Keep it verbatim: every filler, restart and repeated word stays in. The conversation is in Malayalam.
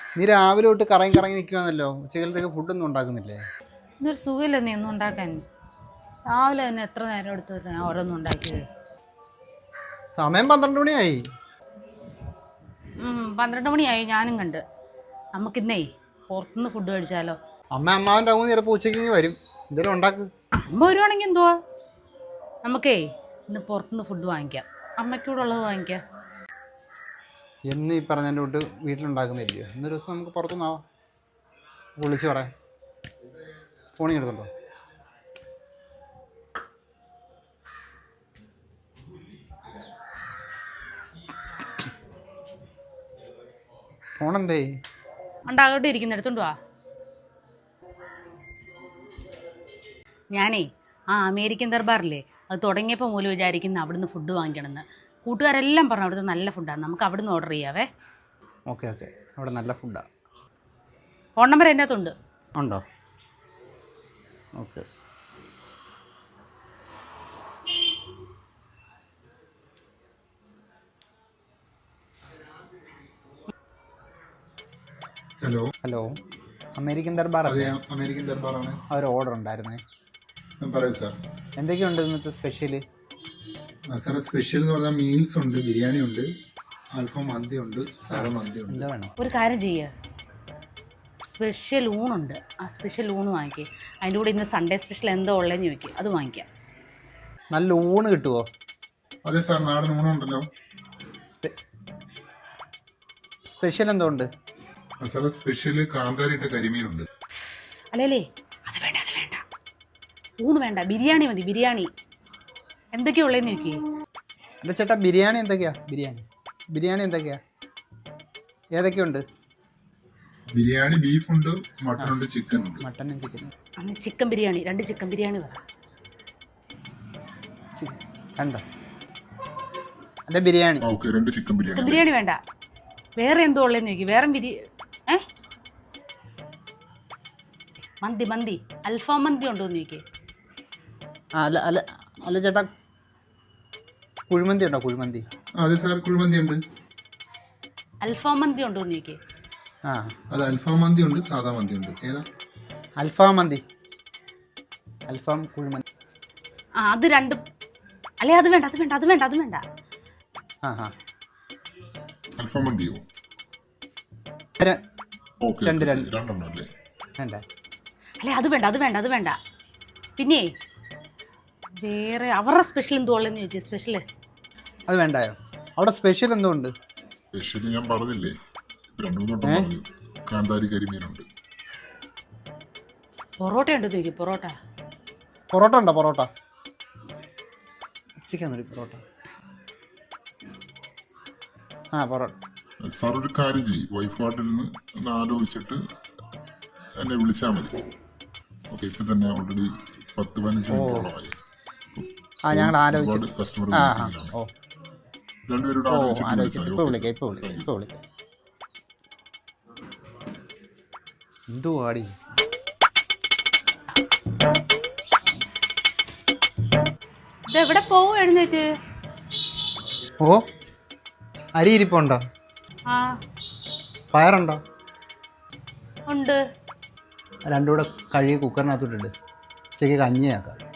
നീ രാവിലെ തൊട്ട് കറങ്ങി കറങ്ങി നിൽക്കുവാന്നല്ലോ. ഉച്ചക്കലത്തേക്ക് ഫുഡൊന്നും ഉണ്ടാക്കുന്നില്ലേ? ഇന്നൊരു സുഖമില്ല നീ ഒന്നും ഉണ്ടാക്കാൻ. രാവിലെ തന്നെ എത്ര നേരം എടുത്തു ഞാൻ ഓരോന്നും ഉണ്ടാക്കിയത്. സമയം പന്ത്രണ്ട് മണിയായി. പന്ത്രണ്ട് മണിയായി ഞാനും കണ്ട്. നമുക്കിന്നേ പുറത്തുനിന്ന് ഫുഡ് കഴിച്ചാലോ? അമ്മ അമ്മാവൻ്റെ അമ്മ ചിലപ്പോൾ ഉച്ചയ്ക്ക് വരും. എന്തെങ്കിലും ഉണ്ടാക്ക്. അമ്മ വരുവാണെങ്കിൽ എന്തുവാ, നമുക്കേ ഇന്ന് പുറത്തുനിന്ന് ഫുഡ് വാങ്ങിക്കാം. അമ്മയ്ക്കൂടെ ഉള്ളത് വാങ്ങിക്കാം. എന്ന് ഈ പറഞ്ഞതിൻ്റെ തൊട്ട് വീട്ടിലുണ്ടാക്കുന്നില്ലയോ? ഇന്നൊരു ദിവസം നമുക്ക് പുറത്തുനിന്നാവാം. വിളിച്ച് പറയാം. ഫോണിൽ എടുത്തുണ്ടോ? ഫോണെന്തേ? ഉണ്ടാകട്ടെ, ഇരിക്കുന്ന എടുത്തോണ്ട് വാ. ഞാനേ ആ അമേരിക്കൻ ദർബാറില്ലേ, അത് തുടങ്ങിയപ്പോൾ മൂലം വിചാരിക്കുന്ന അവിടുന്ന് ഫുഡ് വാങ്ങിക്കണമെന്ന്. കൂട്ടുകാരെല്ലാം പറഞ്ഞു അവിടുത്തെ നല്ല ഫുഡാണ്, നമുക്ക് അവിടുന്ന് ഓർഡർ ചെയ്യാവേ. ഓക്കെ ഓക്കെ, അവിടെ നല്ല ഫുഡാണ്. ഫോൺ നമ്പർ എൻ്റെ അകത്തുണ്ട്. ഉണ്ടോ? Okay. Hello hello, American Darbar അതെ, അമേരിക്കൻ ദർബാറാണ്. ഒരു ഓർഡർ ഉണ്ടായിരുന്നേ. പറയൂ സാർ. എന്തൊക്കെയുണ്ട് ഇന്നത്തെ സ്പെഷ്യൽ? സാറേ, സ്പെഷ്യൽ എന്ന് പറഞ്ഞാൽ മീൽസ് ഉണ്ട്, ബിരിയാണി ഉണ്ട്, അൽഫാം മന്തി ഉണ്ട്, സാറ മന്തി ഉണ്ട്. എന്താ വേണം? ഒരു കാര്യം ചെയ്യുക, സ്പെഷ്യൽ ഊണുണ്ട്, ആ സ്പെഷ്യൽ ഊണ് വാങ്ങിക്കുക. അതിൻ്റെ കൂടെ ഇന്ന് സൺഡേ സ്പെഷ്യൽ എന്തോ ഉള്ളതെന്ന് ചോദിക്കുക, അത് വാങ്ങിക്കാം. നല്ല ഊണ് കിട്ടുമോ? അതെ സാർ, നാടൻ ഊണുണ്ടല്ലോ. സ്പെഷ്യൽ എന്തോ ഉണ്ട് സാറേ? സ്പെഷ്യൽ കാന്താരിട്ട കരിമീനുണ്ട്. അല്ലേ, അത് വേണ്ട, അത് വേണ്ട, ഊണ് വേണ്ട, ബിരിയാണി മതി. ബിരിയാണി എന്തൊക്കെയാ ഉള്ളതെന്ന് ചോദിക്കേ. അല്ല ചേട്ടാ, ബിരിയാണി എന്തൊക്കെയാ? ബിരിയാണി ബിരിയാണി എന്തൊക്കെയാ? ഏതൊക്കെയുണ്ട്? ബിരിയാണി ബീഫുണ്ട്, മട്ടൺ ഉണ്ട്, ചിക്കൻ ഉണ്ട്. മട്ടനും ചിക്കനും. അന്ന് ചിക്കൻ ബിരിയാണി, രണ്ട് ചിക്കൻ ബിരിയാണി പറ. കണ്ടോ? അല്ല ബിരിയാണി. ഓക്കെ, രണ്ട് ചിക്കൻ ബിരിയാണി. ചിക്കൻ ബിരിയാണി വേണ്ട, വേറെ എന്തോ ഉള്ളതെന്ന് ചോദിക്കും. വേറെ ബിരി ഏ മന്തി മന്തി അൽഫാം മന്തി ഉണ്ടോ എന്ന് ചോദിക്കേ. ആ അല്ല അല്ല അല്ല ചേട്ടാ, കുഴിമന്തി ഉണ്ടോ? കുഴിമന്തി. അതെ സാർ, കുഴിമന്തി ഉണ്ട്. അൽഫാം മന്തി ഉണ്ടോ എന്ന് ചോദിക്കേ. ആ അത് അൽഫാം മന്തി ഉണ്ട്, സാധാ മന്തി ഉണ്ട്. ഏതാ? അൽഫാം മന്തി. അൽഫാം കുഴിമന്തി. ആ അത് രണ്ട്. അല്ലേ അത് വേണ്ട, അത് വേണ്ട, അത് വേണ്ട, അത് വേണ്ട. ആ ആ അൽഫാം മന്തിയോ? രണ്ട് രണ്ട് രണ്ടെണ്ണം അല്ലേ? വേണ്ട. അല്ലേ അത് വേണ്ട, അത് വേണ്ട, അത് വേണ്ട. പിന്നെ വേറെ അവരുടെ സ്പെഷ്യൽ എന്തോ ഉള്ളതെന്ന് ചോദിച്ചേ. സ്പെഷ്യല് അത് വേണ്ടായോ? അവിടെ സ്പെഷ്യൽ എന്തോ ഉണ്ട്? സ്പെഷ്യൽ ഞാൻ പറഞ്ഞില്ലേ, രണ്ടു മൂന്നോട്ടം പറഞ്ഞു. കാന്താരി കരിമീനുണ്ട്. പൊറോട്ട ഉണ്ടോ ചോദിക്കും. പൊറോട്ട പൊറോട്ട ഉണ്ടോ? പൊറോട്ട ചിക്കൻ മതി. പൊറോട്ട ആ പൊറോട്ട. സാർ ഒരു കാര്യം ചെയ്യും, വൈഫ് കാർഡിൽ നിന്ന് ഒന്ന് ആലോചിച്ചിട്ട് എന്നെ വിളിച്ചാൽ മതി. ഓക്കെ, ഇപ്പം തന്നെ ഓൾറെഡി പത്ത് പതിനഞ്ച് മിനിറ്റോളമായി. ആ ഞങ്ങൾ ആലോചിച്ചു. കസ്റ്റമർ ആ ഓ രണ്ടുപേരോട് ഓ ആലോചിച്ചിട്ട് ഇപ്പോൾ വിളിക്കാം, ഇപ്പോൾ വിളിക്കാം, ഇപ്പോൾ വിളിക്കാം. എന്തോ ആടി ഇതെവിടെ പോവും എഴുന്നേറ്റ്? ഓ അരി ഇരിപ്പുണ്ടോ? ആ പയറുണ്ടോ? ഉണ്ട്. രണ്ടും കൂടെ കഴുകി കുക്കറിനകത്തോട്ടിട്ട് ഉച്ചയ്ക്ക് കഞ്ഞിയാക്കാം.